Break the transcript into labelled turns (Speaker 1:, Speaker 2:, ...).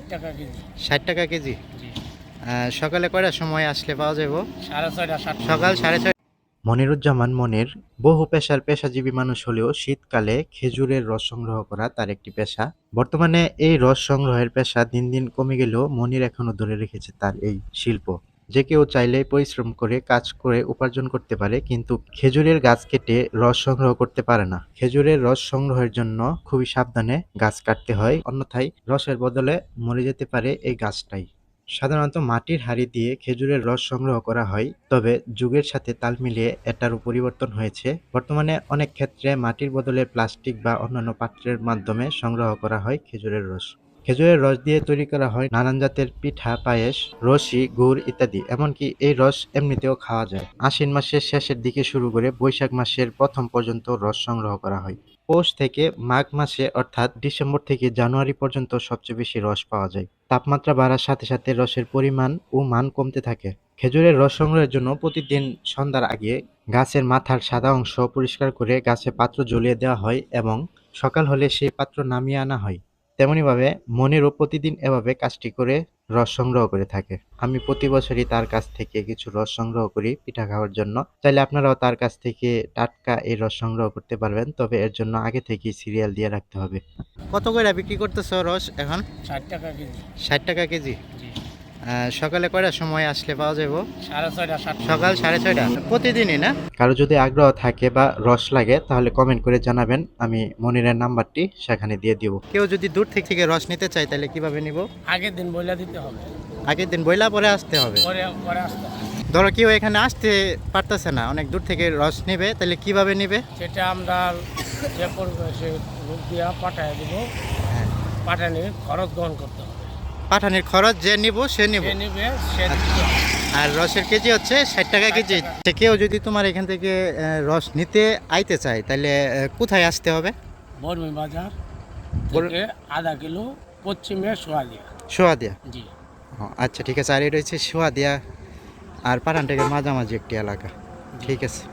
Speaker 1: 60 টাকা কেজি।
Speaker 2: 60 টাকা কেজি।
Speaker 1: জি।
Speaker 2: সকালে কয়টার সময় আসলে পাওয়া যাবে?
Speaker 1: 6:30 7টা।
Speaker 2: সকাল 6:30। মনিরুজ্জামান মনির বহু পেশার পেশাজীবী মানুষ হলেও শীতকালে খেজুরের রস সংগ্রহ করা তার একটি পেশা। বর্তমানে এই রস সংগ্রহের পেশা দিন দিন কমে গেলেও মনির এখনো ধরে রেখেছে তার এই শিল্প। যে কেউ চাইলে পরিশ্রম করে কাজ করে উপার্জন করতে পারে, কিন্তু খেজুরের গাছ কেটে রস সংগ্রহ করতে পারে না। খেজুরের রস সংগ্রহের জন্য খুবই সাবধানে গাছ কাটতে হয়, অন্যথায় রসের বদলে মরে যেতে পারে এই গাছটাই। সাধারণত মাটির হাঁড়ি দিয়ে খেজুরের রস সংগ্রহ করা হয়, তবে যুগের সাথে তাল মিলিয়ে এটারও পরিবর্তন হয়েছে। বর্তমানে অনেক ক্ষেত্রে মাটির বদলে প্লাস্টিক বা অন্যান্য পাত্রের মাধ্যমে সংগ্রহ করা হয় খেজুরের রস। খেজুরের রস দিয়ে তৈরি করা হয় নানান জাতের পিঠা, পায়েস, রসি, গুড় ইত্যাদি। এমনকি এই রস এমনিতেও খাওয়া যায়। আশ্বিন মাসের শেষের দিকে শুরু করে বৈশাখ মাসের প্রথম পর্যন্ত রস সংগ্রহ করা হয়। পৌষ থেকে মাঘ মাসে অর্থাৎ ডিসেম্বর থেকে জানুয়ারি পর্যন্ত সবচেয়ে বেশি রস পাওয়া যায়। তাপমাত্রা বাড়ার সাথে সাথে রসের পরিমাণ ও মান কমতে থাকে। খেজুরের রস সংগ্রহের জন্য প্রতিদিন সন্ধ্যার আগে গাছের মাথার সাদা অংশ পরিষ্কার করে গাছে পাত্র জ্বলিয়ে দেওয়া হয় এবং সকাল হলে সেই পাত্র নামিয়ে আনা হয়। তেমনিভাবে মনিরও প্রতিদিন এভাবে কাজটি করে রস সংগ্রহ করে থাকে। আমি প্রতি বছরই তার কাছ থেকে কিছু রস সংগ্রহ করি পিঠা খাওয়ার জন্য। চাইলে আপনারাও তার কাছ থেকে টাটকা এই রস সংগ্রহ করতে পারবেন, তবে এর জন্য আগে থেকেই সিরিয়াল দিয়ে রাখতে হবে। কত করে বিক্রি করতেছো রস এখন?
Speaker 1: 60 টাকা কেজি।
Speaker 2: 60 টাকা কেজি।
Speaker 1: জি।
Speaker 2: সকালে কয়টার সময় আসলে পাওয়া যাবে?
Speaker 1: 6:30 7টা।
Speaker 2: সকাল 6:30। প্রতিদিনই না? কারো যদি আগ্রহ থাকে বা রস লাগে তাহলে কমেন্ট করে জানাবেন, আমি মনিরের নাম্বারটি সেখানে দিয়ে দিব। কেউ যদি দূর থেকে রস নিতে চায় তাহলে কিভাবে নিব?
Speaker 1: আগের দিন বইলা দিতে হবে।
Speaker 2: আগের দিন বইলা পরে আসতে হবে?
Speaker 1: পরে পরে আসতে হবে।
Speaker 2: ধরো কেউ এখানে আসতে পারতেছে না, অনেক দূর থেকে রস নেবে, তাহলে কিভাবে নেবে?
Speaker 1: সেটা আমরা যে করবে সে লোক দিয়া পাঠায় দিব।
Speaker 2: হ্যাঁ।
Speaker 1: পাঠানির খরচ গ্রহণ করতে হবে।
Speaker 2: পাঠানির খরচ যে নিব সে নিব।
Speaker 1: সে নিবে সে
Speaker 2: আচ্ছা।
Speaker 1: দিতে হবে।
Speaker 2: আর রসের কেজি হচ্ছে 60 টাকা কেজি।
Speaker 1: 60 টাকা।
Speaker 2: তো কেউ যদি তোমার এখান থেকে রস নিতে আইতে চায় তাহলে কোথায় আসতে হবে?
Speaker 1: বর্মি বাজার
Speaker 2: বর-
Speaker 1: থেকে আধা কিলো পশ্চিমে সোয়ালিয়া।
Speaker 2: সোয়াদিয়া।
Speaker 1: জি।
Speaker 2: আচ্ছা ঠিক আছে। আর এটা হচ্ছে সোয়াদিয়া আর পাঠানটাকে মাঝামাঝি একটি এলাকা। ঠিক আছে।